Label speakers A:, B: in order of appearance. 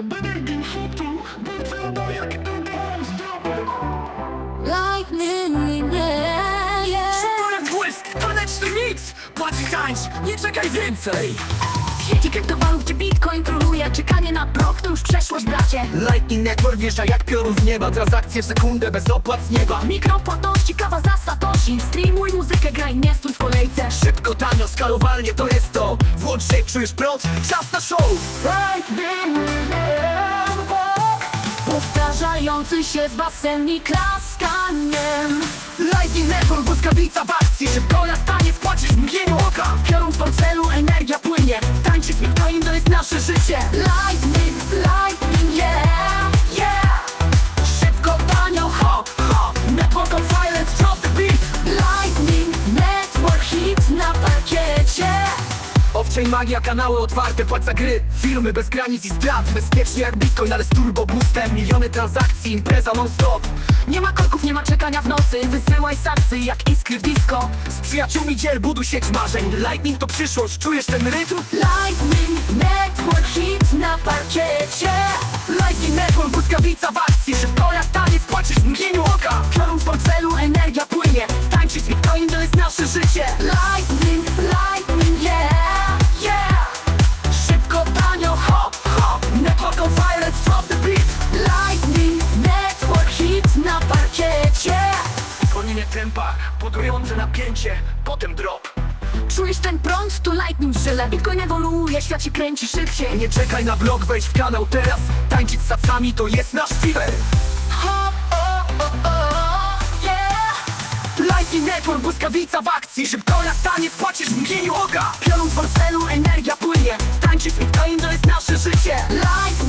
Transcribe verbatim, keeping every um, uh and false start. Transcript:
A: Energii hitu, wygląda jak ten zdobył.
B: Lightning, yeah, yeah.
C: Szybko jak błysk, taneczny nic. Płacz i tańcz, nie czekaj więcej.
B: W sieci kryptowalut, gdzie bitcoin króluje, czekanie na blok to już przeszłość, bracie.
C: Lightning Network wjeżdża jak piorun z nieba. Transakcje w sekundę bez opłat z nieba.
B: Mikropłatności, kawa za satoshi. Streamuj muzykę, graj, nie stój w kolejce.
C: Szybko, tanio, skalowalnie to jest to. Włącz się, czujesz prąd, czas na show.
A: Lightning Network.
B: Powtarzający się z basen i klaskaniem.
C: Lightning Network, błyskawica w akcji. Szybko jak taniec, płacisz w mgnieniu oka.
B: Piorun w portfelu, energia płynie.
C: Tańczyć bitcoin to jest nasze życie.
B: Lightning, lightning, yeah, yeah.
C: Szybko, tanio, ho, ho. Network on fire, let's drop the beat.
B: Lightning Network, hit na parkiecie.
C: Owczej magia, kanały otwarte, płać za gry. Firmy bez granic i strat, bezpiecznie jak bitcoin, ale z turbo boostem. Miliony transakcji, impreza non stop.
B: Nie ma korków, nie ma czekania w nocy. Wysyłaj saksy jak iskry w disco.
C: Z przyjaciółmi dziel, buduj sieć marzeń. Lightning to przyszłość, czujesz ten rytm?
B: Lightning Network, hit na parkiecie.
C: Lightning Network, błyskawica w akcji. Szybko jak taniec, płacisz w mgnieniu oka.
B: Piorun w portfelu, energia płynie.
C: Tańczyć bitcoin to jest nasze życie.
B: Lightning, lightning, yeah, yeah.
C: Szybko, tanio, ho, ho. Network on fire, let's drop the beat.
B: Lightning Network, hit na parkiecie.
C: Zwolnienie tempa, podrujące napięcie, potem drop.
B: Czujesz ten prąd? To lightning żyle. Bitcoin ewoluuje, świat się kręci szybciej.
C: Nie czekaj na blog, wejdź w kanał teraz. Tańczyć z sacami to jest nasz filer.
B: Ho, o, o, o, yeah.
C: Lightning Network, błyskawica w akcji. Szybko jak taniec, płacisz w mgnieniu oka.
B: Piorun w portfelu, energia płynie.
C: Tańczyć bitcoin to jest nasze życie.
B: Lightning